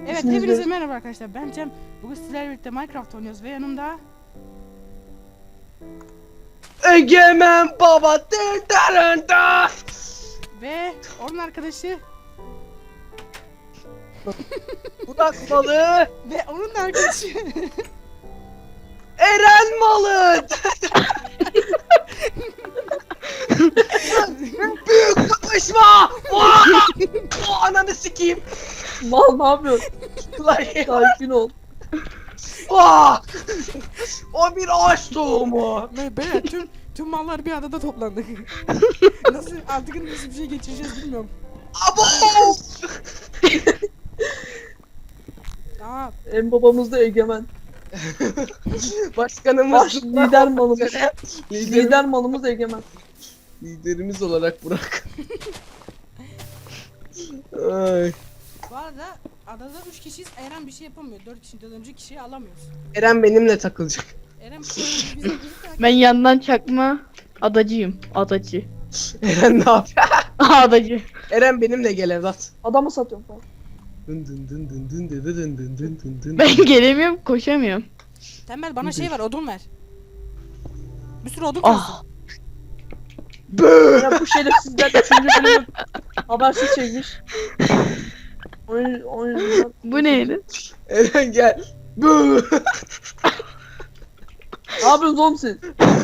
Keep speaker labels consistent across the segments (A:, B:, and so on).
A: Evet,
B: İsminiz
A: hepinize
B: ne?
A: merhaba arkadaşlar. Ben Cem. Bugün sizlerle birlikte Minecraft oynuyoruz ve yanımda
C: Egemen baba dırdarında.
A: ve onun arkadaşı
C: Burak malı.
A: ve onun da arkadaşı.
C: Eren malı. Büyük kapışma. Ananı sikeyim.
B: Mal ne yapıyorsun?
C: Ulan
B: Sakin ol.
C: Vah! O bir ağaç tohumu.
A: Ve böyle tüm mallar bir adada toplandı. Nasıl artık nasıl bir şey geçireceğiz bilmiyorum.
C: Abo!
A: Tamam.
B: En babamız da Egemen.
C: Başkanımız
B: Baş lider malımız.
C: Lider,
B: Lider malımız Egemen.
C: liderimiz olarak Burak. Ay.
A: Bu arada adada 3 kişiyiz. Eren bir şey yapamıyor. 4 kişiden önce kişiyi alamıyoruz.
C: Eren benimle takılacak.
A: Eren bize
D: Ben yandan çakma adacıyım. Adacı.
C: Eren ne yapıyor?
D: Adacı.
C: Eren benimle gel evlat.
B: Adamı satıyorum falan.
C: Dın dın dın dın dın dın dın dın dın dın dın.
D: Ben gelemiyorum, koşamıyorum.
A: Tembel bana şey ver, odun ver. Bir sürü odun
D: Ah.
A: kalsın.
C: Bööö!
B: Ya bu şerefsizler 3. bölümü habersiz çekmiş. Oyun
D: Bu neydi?
C: Eren gel. Bööö!
B: Ne yapıyorsunuz oğlum siz?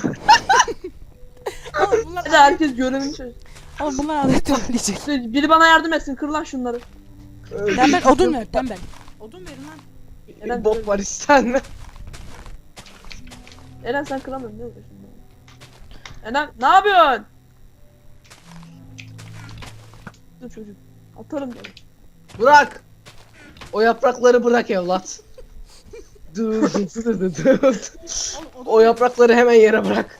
A: Oğlum bunlar
B: Hadi herkes görevini çöz.
A: Oğlum bunlar adet toparlayacak.
B: Biri bana yardım etsin, kır lan şunları.
A: Tembel odun ver, tembel. Odun verin lan.
B: Eren,
C: Bob var istenme.
B: Eren sen kıramıyorsun, ne uğraşıyorsun? Eren ne yapıyorsun? Dur çocuk. Atarım ben.
C: Bırak. O yaprakları bırak evlat. Dur dur dur dur dur.
A: Oğlum, odun
C: O yaprakları hemen yere bırak.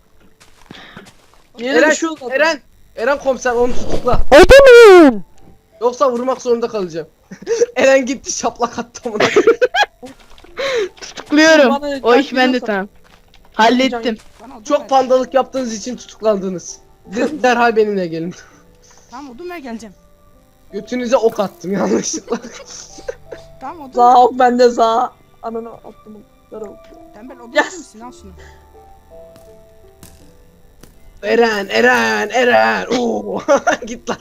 B: Yere
C: Eren,
B: düşüyor zaten.
C: Eren komiser onu tutukla.
A: Odun!
C: Yoksa vurmak zorunda kalacağım. Eren gitti şaplak attı amına.
D: Tutukluyorum.
B: Bana
D: O iş
B: can
D: bende
B: gidiyorsa-
D: tamam. Hallettim.
A: Bana odun ver.
C: Çok pandalık yaptığınız için tutuklandınız. Derhal benimle gelin.
A: Tamam odun ver geleceğim.
C: Götünüze ok attım yanlışlıkla.
A: Tamam odun ver.
B: Za ok bende za. Ananı attım. Ver ok.
A: Tembel odun
B: Yes.
A: verir misin? Al şunu.
C: Eren. Oo. Git lan.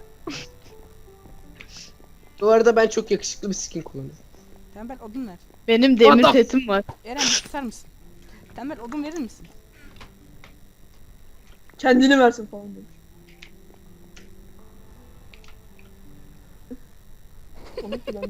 C: Bu arada ben çok yakışıklı bir skin kullanıyorum.
A: Tembel odun ver.
D: Benim demir
C: Adam.
D: setim var.
A: Eren bir tutar mısın? Tembel odun verir misin?
B: Kendini versin falan demiş. Komik bir lan.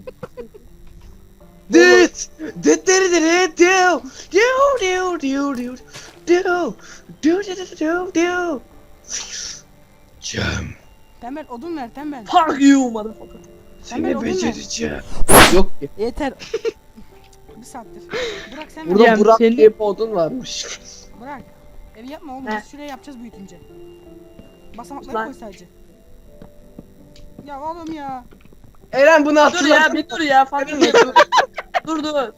C: Dit! Dit dit dit dit diu! Diu diu diu diu diu! Diu diu diu diu diu! Cem,
A: Tembel odun ver tembel.
B: Fuck you motherfucker.
A: Tembel
C: seni
A: odun ver.
C: becereceğim. Yok ki.
A: Yeter. Bir saattir. Burak sen
C: Burada
A: ver.
D: Cem,
C: Burak
D: seni-
C: diye bir odun varmış.
A: Burak. Evi yapma oğlum.
B: He.
A: Biz şuraya yapacağız büyütünce. Basamakları
B: Lan.
A: koy sadece. Ya oğlum ya.
C: Eren bunu
B: Dur
C: hatırla.
B: ya bir dur ya fuck you. Dur.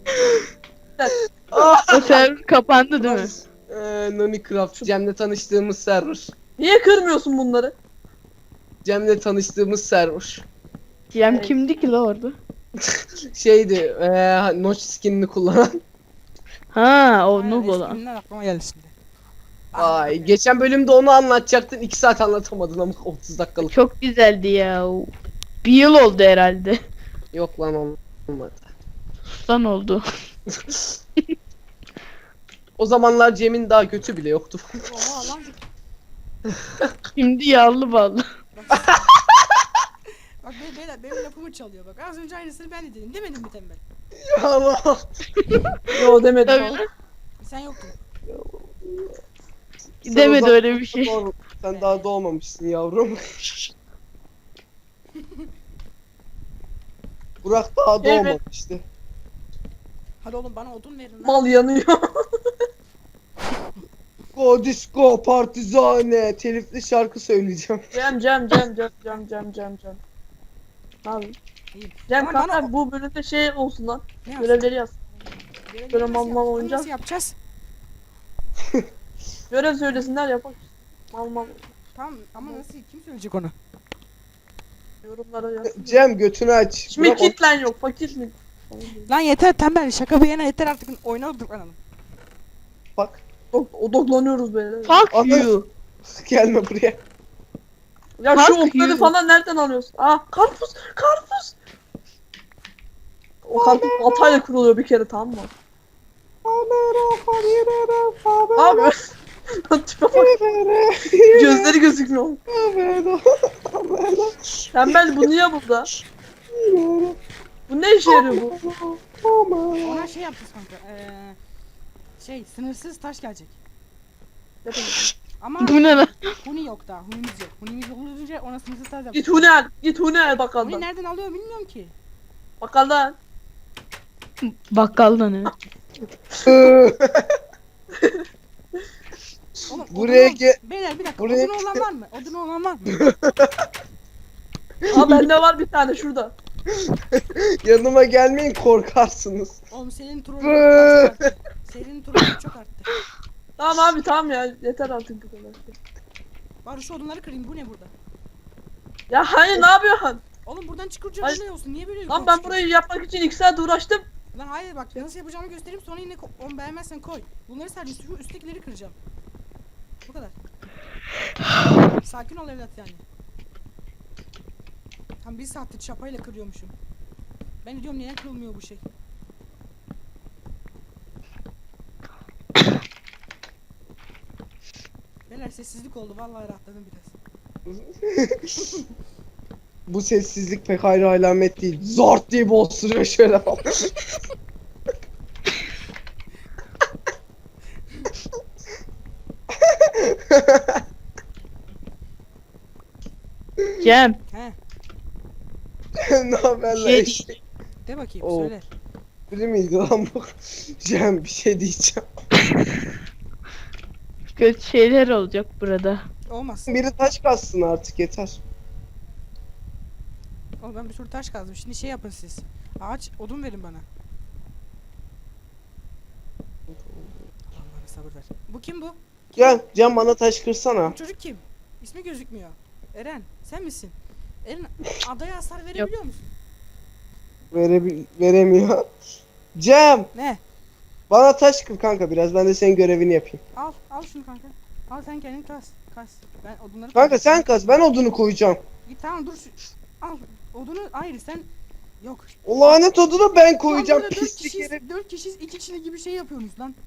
D: O server kapandı değil mi?
C: Nonicraft. Cem'le tanıştığımız server.
B: Niye kırmıyorsun bunları?
C: Cem'le tanıştığımız server.
D: Cem kimdi ki la orada?
C: Şeydi, Notch skinini kullanan.
D: Ha o
A: Aynen,
D: noob olan.
A: eskinden aklıma geldi şimdi.
C: Ay, geçen bölümde onu anlatacaktın. 2 saat anlatamadın ama 30 dakikalık.
D: Çok güzeldi ya. Bir yıl oldu herhalde.
C: Yok lan olmadı.
D: Sustan oldu.
C: O zamanlar Cem'in daha götü bile yoktu.
A: Oha lan.
D: Şimdi yağlı ballı.
A: Bak beyler benim lafımı çalıyor bak. Az önce aynısını ben de dedim. Demedim mi tembel?
C: Ya Allah.
B: Yo demedim
D: Tabii.
B: falan.
A: Sen yoktun.
C: Sen
D: Demedi
C: o zaman
D: öyle bir şey.
C: doğru- Sen daha doğmamışsın yavrum. Burak daha
B: Evet.
C: doğmamıştı.
A: Hadi oğlum bana odun verin lan.
B: Mal yanıyor.
C: Go disco partizane telifli şarkı söyleyeceğim.
B: Cem. Ne yapayım?
A: İyi.
B: Cem
A: Ama
B: kanka
A: bana-
B: bu bölümde şey olsun lan.
A: Ne yapsın?
B: Görevleri yaz.
A: Görevleri
B: böyle
A: nasıl
B: mal
A: yapacağız?
B: oynayacağız.
A: Nasıl yapacağız?
B: Görev söylesinler yapak. Mal.
A: Tamam ama nasıl kim söyleyecek onu?
B: Yorumlara yaz.
C: Cem götünü aç.
B: Şimdi
C: Bırak o-
B: kitlen yok. Fakir mi?
A: Lan yeter tembel şaka bir yana yeter artık oyuna odaklanalım.
C: Bak.
B: Odaklanıyoruz böyle.
D: Fuck
C: Ana-
D: you.
C: Gelme buraya.
B: Ya
D: Fuck
B: şu otları
D: you.
B: falan nereden alıyorsun? Aa karpuz. Karpuz. O karpuz baltayla kuruluyor bir kere, tamam mı? Abi. Tipe bak. Gözleri gözükmüyor. Tembel bu niye burada? Bu ne işe yarıyor bu?
A: Ona şey yaptık kanka. Sınırsız taş gelecek.
B: Ne demek?
A: Ama
D: Bu ne lan?
A: huni yok daha. Hunimiz yok. Hunimiz olunca ona sınırsız taş
B: Git
A: yaptık.
B: huni al. Git huni al
A: Huni
B: bakkaldan.
A: nereden alıyor bilmiyorum ki.
B: Bakkaldan.
D: Bakkaldan evet.
A: Oğlum,
C: Buraya
A: odunu-
C: ge-
A: Beyler bir dakika.
C: buraya-
A: Odunu olan var mı? Odunu olan var mı?
B: Aa bende var bir tane şurada.
C: Yanıma gelmeyin, korkarsınız.
A: Oğlum senin trollün çok arttı. Senin trollün çok arttı.
B: Tamam abi tamam ya. Yeter artık bu kadar.
A: Bari şu odunları kırayım. Bu ne burada?
B: Ya hani ne yapıyorsun?
A: Oğlum buradan çıkınca
B: Hayır.
A: bu ne olsun? Niye böyle
B: Lan
A: yukarı
B: ben
A: çıkıyorsun?
B: burayı yapmak için 2 saat uğraştım.
A: Lan hayır bak nasıl yapacağımı göstereyim sonra yine onu beğenmezsen koy. Bunları sadece üsttekileri kıracağım. Bu kadar. Sakin ol evlat yani. Tam bir saattir çapayla kırıyormuşum. Ben de diyorum neden kırılmıyor bu şey. Beyler sessizlik oldu vallahi rahatladım biraz.
C: Bu sessizlik pek hayra alamet değil. Zort diye bozduruyor şöyle falan.
D: Cem.
A: He
C: Ne haber lan
D: Şey-
C: eşek?
A: de bakayım
C: Oo.
A: söyle.
C: Biri miydi lan bu? Cem bir şey diyeceğim.
D: Kötü şeyler olacak burada.
A: Olmaz.
C: Biri taş kassın artık, yeter.
A: Oğlum ben bir sürü taş kazdım. Şimdi şey yapın siz. Ağaç odun verin bana. Allah'ım bana sabır ver. Bu kim bu?
C: Gel Cem, bana taş kırsana.
A: Bu çocuk kim? İsmi gözükmüyor. Eren sen misin? Eren adaya hasar verebiliyor musun?
C: Veremiyor. Cem
A: Ne?
C: bana taş kır kanka biraz, ben de senin görevini yapayım.
A: Al şunu kanka. Al sen kendin kas. Ben odunları
C: Kanka sen kaz, ben odunu koyacağım.
A: İyi tamam dur. Al odunu hayır sen. Yok.
C: O lanet odunu ben
A: Lan
C: koyacağım,
A: burada
C: pislik herif.
A: 4 kişiyiz 2 kişilik gibi şey yapıyorsunuz lan.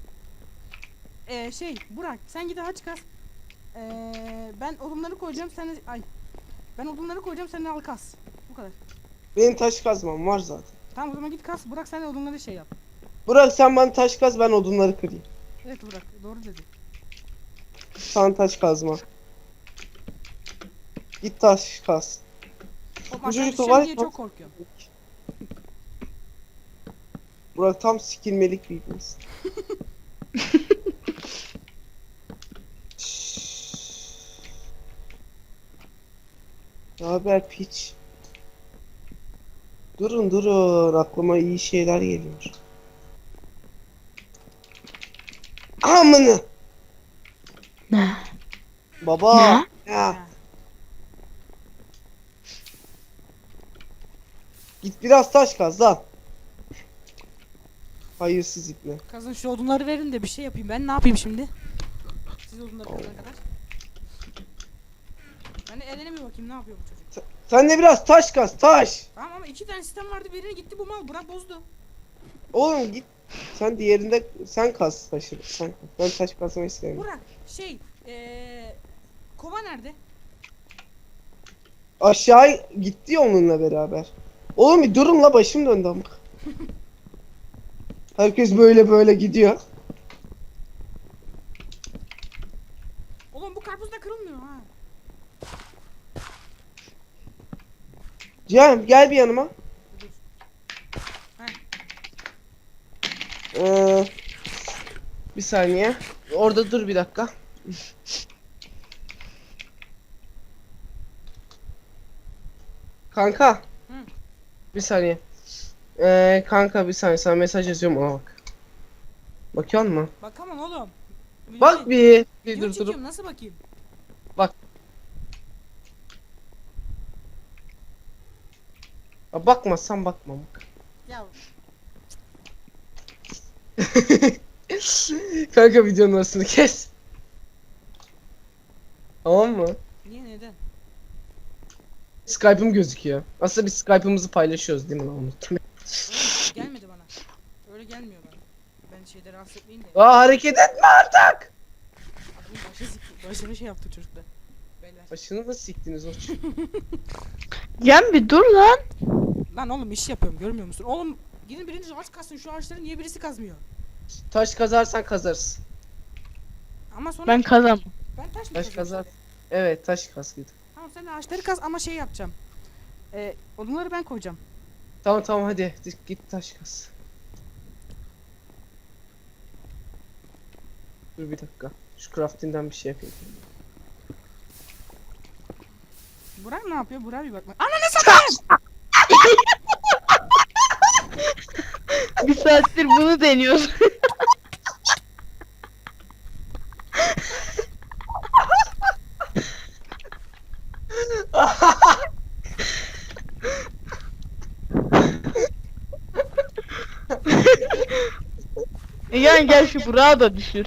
A: Burak sen git ağaç kas. Ben odunları koyacağım sen de Ben odunları koyacağım sen de al kas. Bu kadar.
C: Benim taş kazmam var zaten.
A: Tamam o zaman git kas. Burak sen de odunları şey yap.
C: Bırak sen bana taş kaz, ben odunları kırayım.
A: Evet Burak doğru dedi.
C: Sana taş kazma. Git taş kaz.
A: Oğlum
C: Bu
A: aşağı
C: çocuk da
A: düşeceğim
C: var
A: diye
C: ya-
A: çok korkuyorum.
C: Burak tam sikilmelik bir iblis. Ne haber piç? Durun aklıma iyi şeyler geliyor. Amına.
D: Ne?
C: Baba.
D: Ne?
C: Ya. Git biraz taş kaz lan. Hayırsız ipne.
A: Kazın şu odunları verin de bir şey yapayım. Ben ne yapayım şimdi? Siz odunları kazana kadar. Ben de Eren'e bir bakayım ne yapıyor bu çocuk.
C: Sen de biraz taş kaz, taş.
A: Tamam ama 2 tane sistem vardı birini gitti bu mal Burak bozdu.
C: Oğlum git. Sen diğerinde sen kaz taşı. Sen kaz. Ben taş kazmayı istemiyorum.
A: Burak kova nerede?
C: Aşağı gitti ya onunla beraber. Oğlum bir durun la, başım döndü amık. Herkes böyle gidiyor.
A: Oğlum bu karpuz da kırılmıyor ha.
C: Cem gel bir yanıma.
A: Dur.
C: Bir saniye. Orada dur bir dakika. Kanka.
A: Hı.
C: Bir saniye. Kanka bir saniye, sana mesaj yazıyorum, ona bak. Bakıyor musun?
A: Bakamam oğlum.
C: Bak bir. Bir
A: Video
C: dur dur.
A: çekiyorum nasıl bakayım?
C: Bakmazsan bakmam.
A: Ya
C: Kanka videonun arasını kes. Tamam mı?
A: niye neden?
C: Skype'ım gözüküyor. Aslında biz Skype'ımızı paylaşıyoruz değil mi lan, unuttum.
A: Gelmedi bana. Öyle gelmiyor bana. Ben şeyde rahatsız etmeyin de.
C: Aa, hareket etme artık.
A: Başını şey yaptı çocuklar. Beyler.
C: Başını da siktiniz o
D: Cem bir dur lan.
A: Lan oğlum iş yapıyorum görmüyor musun? Oğlum gidin biriniz ağaç kazsın şu ağaçları niye birisi kazmıyor?
C: Taş kazarsan kazarsın.
A: Ama sonra
D: Ben kazanmam.
A: ben taş mı
C: Taş
A: kazıyorum
C: kazar.
A: şimdi?
C: Evet, taş kaz git.
A: Tamam sen de ağaçları kaz ama şey yapacağım. Odunları ben koyacağım.
C: Tamam hadi git taş kaz. Dur bir dakika. Şu crafting'den bir şey yapayım.
A: Burak ne yapıyor? Burak bir bakma. Ananı satayım!
D: Bir saattir bunu deniyoruz. Yani gel şu Burak'ı da düşür.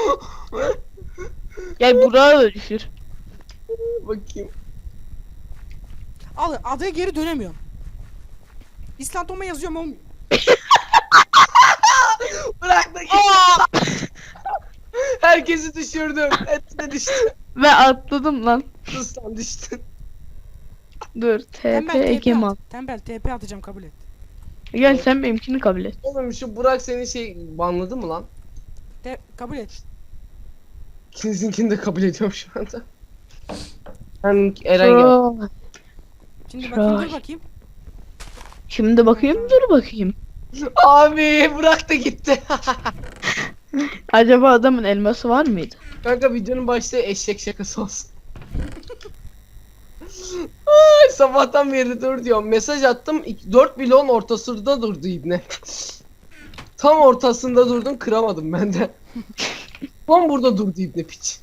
D: Gel Burak'ı da düşür.
C: Bakayım.
A: Al adaya geri dönemiyorum. İslandoma yazıyorum olmuyor.
C: Bırak da git. Herkesi düşürdüm. Etine düştü.
D: Ve atladım lan.
C: Sustan düştün.
D: Dur TP
A: Tembel TP
D: Egeman.
A: at. Tembel TP atacağım kabul et.
D: Gel sen benimkini kabul et.
C: Oğlum şu Burak seni banladı mı lan?
A: Kabul et.
C: İkinizinkini de kabul ediyorum şu anda. Ben Eren gel.
D: Troll.
A: Şimdi bakayım dur
D: Troll.
A: bakayım.
D: Şimdi bakayım dur bakayım.
C: Abi Burak da gitti.
D: Acaba adamın elması var mıydı?
C: Kanka videonun başta eşek şakası olsun. Ay, sabahtan beri dur diyorum. Mesaj attım. 4 bloğun ortasında durdu ibne. Tam ortasında durdum, kıramadım ben de. Tam burada durdu ibne piç.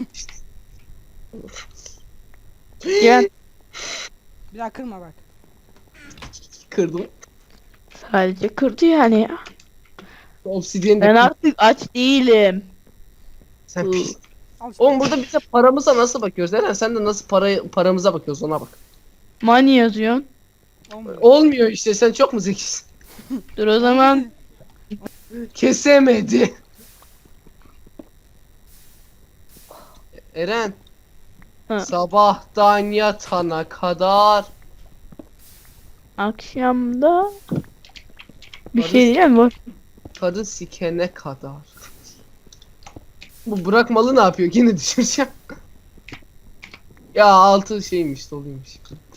D: Gel.
A: Bir daha kırma bak.
C: Kırdım.
D: Sadece kırdı yani ya.
C: Obsidiyen de
D: Ben
C: kırdım.
D: artık aç değilim.
C: Sen piç.
A: Al işte.
C: Oğlum burada bize paramıza nasıl bakıyoruz? Eren sen de nasıl paramıza bakıyoruz, ona bak.
D: Money yazıyorsun.
A: Olmuyor.
C: Olmuyor işte, sen çok mu zekisin?
D: Dur o zaman.
C: Kesemedi. Eren.
D: Ha.
C: Sabahtan yatana kadar.
D: Akşamda bir
C: Barış-
D: şey diyeceğim var.
C: Karı sikene kadar. Bu Burak malı ne yapıyor? Yine düşüreceğim. Ya altı şeymiş, doluymuş.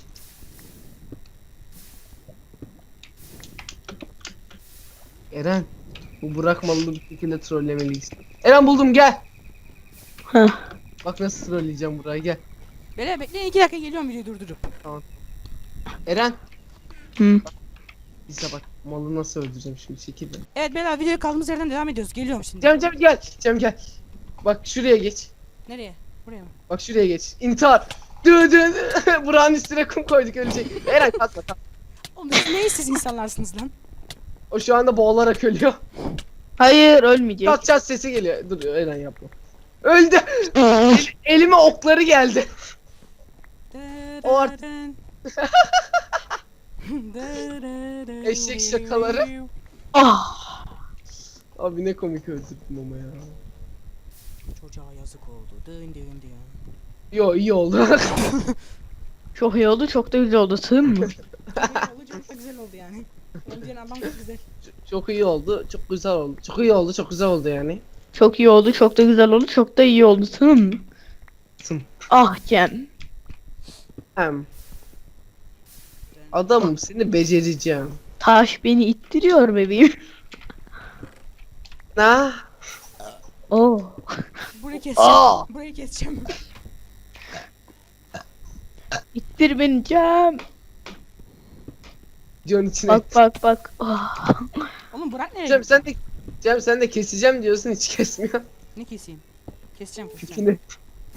C: Eren. Bu Burak malını bir şekilde trollemeliyiz. Eren buldum, gel.
D: Heh.
C: Bak nasıl trolleyeceğim Burak'ı, gel.
A: Beyler bekleyin 2 dakika geliyorum videoyu durdurup.
C: Eren.
D: Hı.
C: Bize bak malı nasıl öldüreceğim şimdi, şekilde.
A: Evet beyler videoya kaldığımız yerden devam ediyoruz. Geliyorum şimdi.
C: Cem gel. Cem gel. Bak şuraya geç.
A: Nereye? Buraya mı?
C: Bak şuraya geç. İntihar. Burak'ın üstüne kum koyduk, ölecek. Eren kalkma.
A: Oğlum siz ne işsiz insanlarsınız lan?
C: O şu anda boğularak ölüyor.
D: Hayır ölmeyecek.
C: Çat sesi geliyor. Dur Eren yapma. Öldü. Elime okları geldi. O art- Eşek şakaları.
D: Ah.
C: Abi ne komik öldürdüm ama ya.
A: Çocuğa yazık oldu. Dın dın dın.
C: Yo, iyi oldu.
D: Çok iyi oldu, çok da güzel oldu. Sığın mı?
A: Çok da güzel oldu yani. Öldüğün adam çok güzel.
C: Çok iyi oldu. Çok güzel oldu. Çok iyi oldu. Çok güzel oldu yani.
D: Çok iyi oldu, çok da güzel oldu, çok da iyi oldu. Sığın mı?
C: Sığın.
D: Ah Cem.
C: Hem. Adamım, seni becereceğim.
D: Taş beni ittiriyor bebeğim.
C: Ne?
D: Oh.
A: Burayı keseceğim.
C: Aa!
A: Burayı keseceğim.
D: İttir beni Cem.
C: Videonun içine.
D: Bak. Ah.
A: Oğlum Burak nereye
C: Cem
A: gitti?
C: sen de keseceğim diyorsun, hiç kesmiyor.
A: Ne keseyim? Keseceğim.
C: Pipini.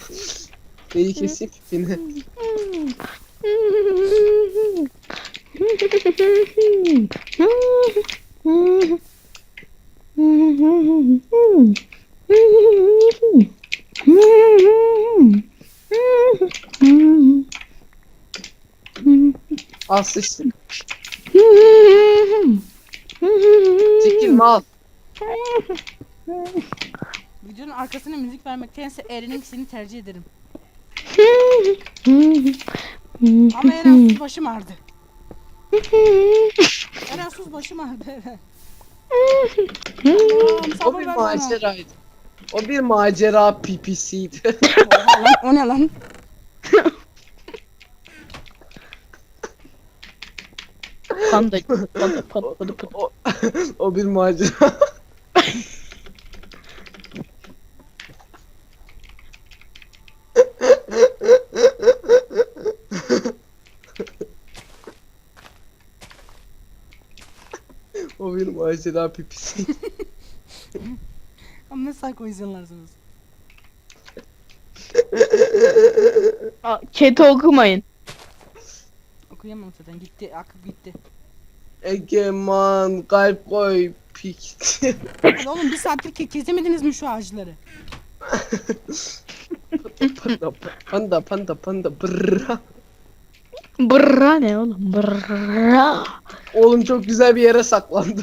C: Neyi keseyim, pipini. Al sıçtın. Çekilme al.
A: Videonun arkasına müzik vermektense Eren'inkisini tercih ederim. Ama Eren sus, başım ağrıdı. Eren sus, başım ağrıdı Eren. Allah'ım
C: O
A: sabır
C: bir
A: ver bana.
C: maceraydı. O bir macera pipisiydi.
A: Oha lan, o ne lan?
D: Panda. Panda patladı.
C: o, o bir macera. O bir macera pipisi.
A: Ama ne psycho izliyorlarsınız.
D: Chat'i okumayın.
A: Okuyamam zaten, gitti, akıp gitti.
C: Egeman kalp koy pik.
A: Hadi oğlum, bir saattir kesemediniz mi şu ağaçları?
C: Panda brrra.
D: Brrra ne oğlum? Brrra.
C: Oğlum çok güzel bir yere saklandım.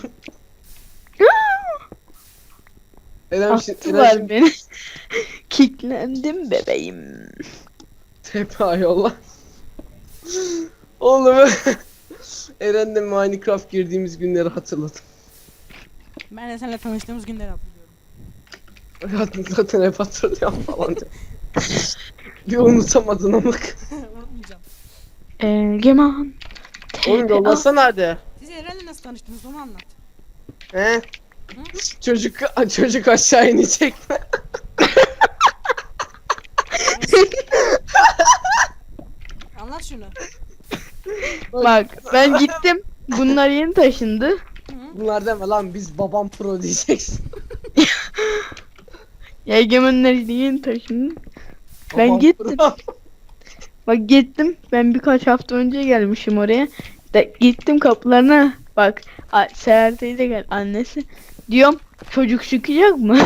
C: Eren
D: Attılar beni. Kicklendim bebeğim.
C: tepe yolla. Oğlum Eren'le Minecraft girdiğimiz günleri hatırladım.
A: Ben de seninle tanıştığımız günleri hatırlıyorum.
C: Zaten hep hatırlıyorum falan diyor. Bir unutamadın ama.
A: Unutmayacağım.
D: Egeman.
C: Oğlum yollasana hadi.
A: Siz Eren'le nasıl tanıştınız, onu anlat.
C: He? Çocuk aşağı inecek mi?
A: Anlat şunu.
D: Bak ben gittim. Bunlar yeni taşındı.
A: Hı?
C: Bunlar deme lan, biz babam pro diyeceksin.
D: Ya Egemenler yeni taşındı. Ben
C: Babam
D: gittim.
C: pro.
D: Bak gittim. Ben birkaç hafta önce gelmişim oraya. Gittim kapılarına. Bak Seher teyze gel, annesi. Diyorum çocuk çıkacak mı?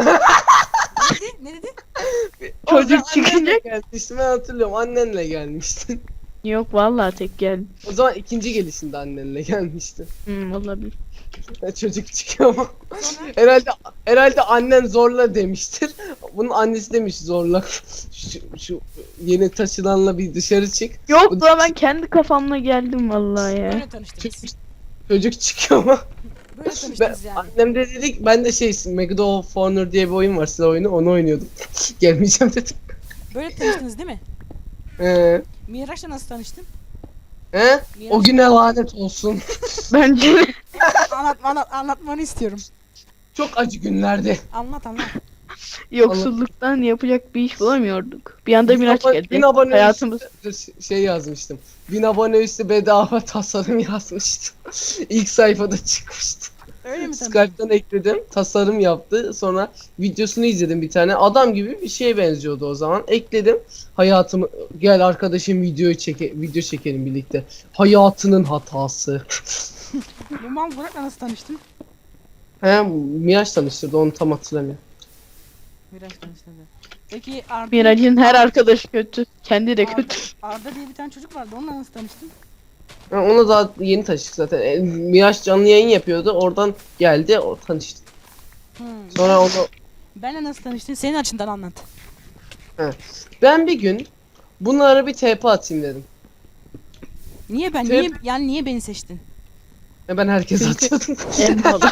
A: Ne dedi?
D: Çocuk
C: O sen annenle
D: çıkacak.
C: gelmiştin, ben hatırlıyorum, annenle gelmiştin.
D: Yok vallahi tek geldim.
C: O zaman ikinci gelişinde annenle gelmiştin.
D: Olabilir.
C: Çocuk çıkıyor ama.
A: Sonra
C: Herhalde annen zorla demiştir. Bunun annesi demiş zorla. Şu yeni taşınanla bir dışarı çık.
D: Yok da ben kendi kafamla geldim vallahi ya.
A: böyle tanıştınız.
C: Çocuk çıkıyor ama.
A: Böyle tanıştınız yani.
C: Annem de dedik, ben de Medal of Honor diye bir oyun var, silah oyunu, onu oynuyordum. Gelmeyeceğim dedim.
A: Böyle tanıştınız değil mi? Miraç'la nasıl tanıştın?
C: He? O güne lanet olsun.
D: Bence
A: Anlatmanı istiyorum.
C: Çok acı günlerdi.
A: Anlat.
D: yoksulluktan yapacak bir iş bulamıyorduk. Bir anda Miraç geldi.
C: 1000 abone
D: Hayatımız.
C: şey yazmıştım. 1000 abone üstü bedava tasarım yazmıştım. İlk sayfada çıkmıştı.
A: Öyle mi tanıştın?
C: Skype'dan ekledim. Tasarım yaptı. Sonra videosunu izledim bir tane. Adam gibi bir şeye benziyordu o zaman. Ekledim. Hayatımı, gel arkadaşım video çekelim birlikte. Hayatının hatası.
A: Bu mal Burak'la nasıl tanıştın?
C: He, Miraç tanıştırdı, onu tam hatırlamıyorum.
A: Miraç tanıştırdı. Peki Arda,
D: Miraç'ın her arkadaşı kötü. Kendi de kötü.
A: Arda diye bir tane çocuk vardı. Onunla nasıl tanıştın?
C: Ha, ona daha yeni tanıştık zaten. Miraç canlı yayın yapıyordu. Oradan geldi, o tanıştık. Sonra onu
A: Benle nasıl tanıştın? Senin açından anlat.
C: ben bir gün bunlara bir TP atayım dedim.
A: Niye ben?
C: Tep-
A: Niye beni seçtin?
C: Ben herkes
D: Çünkü-
C: atıyordum.
D: En pahalı.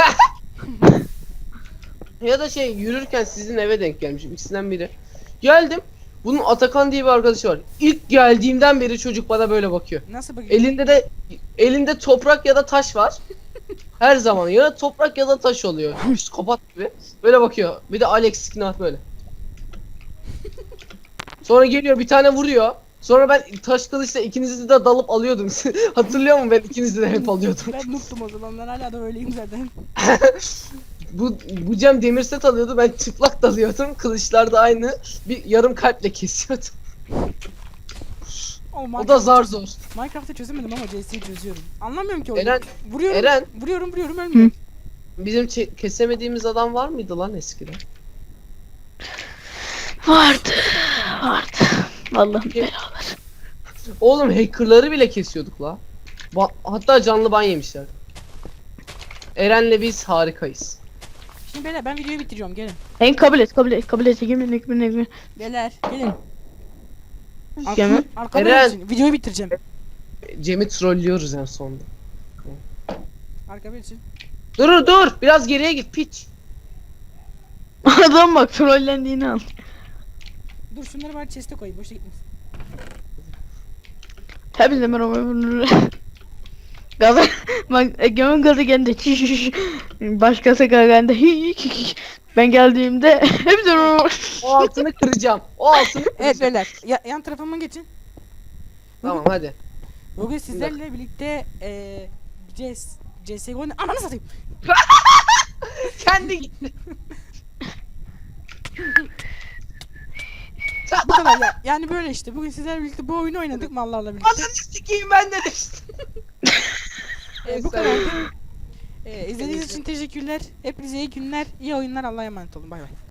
C: Ya da yürürken sizin eve denk gelmişim, ikisinden biri. Geldim. Bunun Atakan diye bir arkadaşı var. İlk geldiğimden beri çocuk bana böyle bakıyor.
A: Nasıl bakıyorsun?
C: Elinde toprak ya da taş var. Her zaman ya toprak ya da taş oluyor. Psikopat gibi. Böyle bakıyor. Bir de Alex Skinner böyle. Sonra geliyor bir tane vuruyor. Sonra ben taş kılıçla ikinizi de dalıp alıyordum. Hatırlıyor musun, ben ikinizi de hep alıyordum.
A: Ben noob'tum o zaman. Ben hala da öyleyim zaten.
C: Bu Cem demir set alıyordu, ben çıplak dalıyordum. Kılıçlar da aynı. Bir yarım kalple kesiyordum.
A: Oğlum,
C: O da zar zor.
A: Minecraft'ı çözemedim ama CS'yi çözüyorum. Anlamıyorum ki oyunu.
C: Eren,
A: Vuruyorum.
C: Eren.
A: Vuruyorum ölmüyor.
C: Bizim kesemediğimiz adam var mıydı lan eskiden?
D: Vardı. Allah'ım
C: Kim?
D: beraber.
C: Oğlum hackerları bile kesiyorduk la. Hatta canlı ban yemişler. Eren'le biz harikayız.
A: Şimdi beyler ben videoyu bitiriyorum gelin.
D: En kabul et. Yemin.
A: Beyler gelin.
D: Yemin.
A: Arkamda
C: Eren.
A: için. Videoyu bitireceğim.
C: Cem'i trollüyoruz en sonunda.
A: Arkamda için.
C: Dur biraz geriye git piç.
D: Adam bak trollendiğini al.
A: Dur şunları bari chest'e koyayım. Boşa gitmesin.
D: Hepinize merhaba. Gaza bak Egemen gaza geldi. Başkası geldi. Ben geldiğimde hepsi
C: O altını kıracağım. O altını kıracağım.
A: Evet beyler yan tarafıma geçin.
C: Tamam hadi.
A: Bugün sizlerle birlikte CSGO'nun ananı satayım.
C: Kendi gitti.
A: Bu kadar ya. Yani böyle işte. Bugün sizlerle birlikte bu oyunu oynadık mallarla birlikte.
C: Ananı sikeyim ben de düştüm.
A: Bu kadar. İzlediğiniz için teşekkürler. Hepinize iyi günler, iyi oyunlar. Allah'a emanet olun. Bay bay.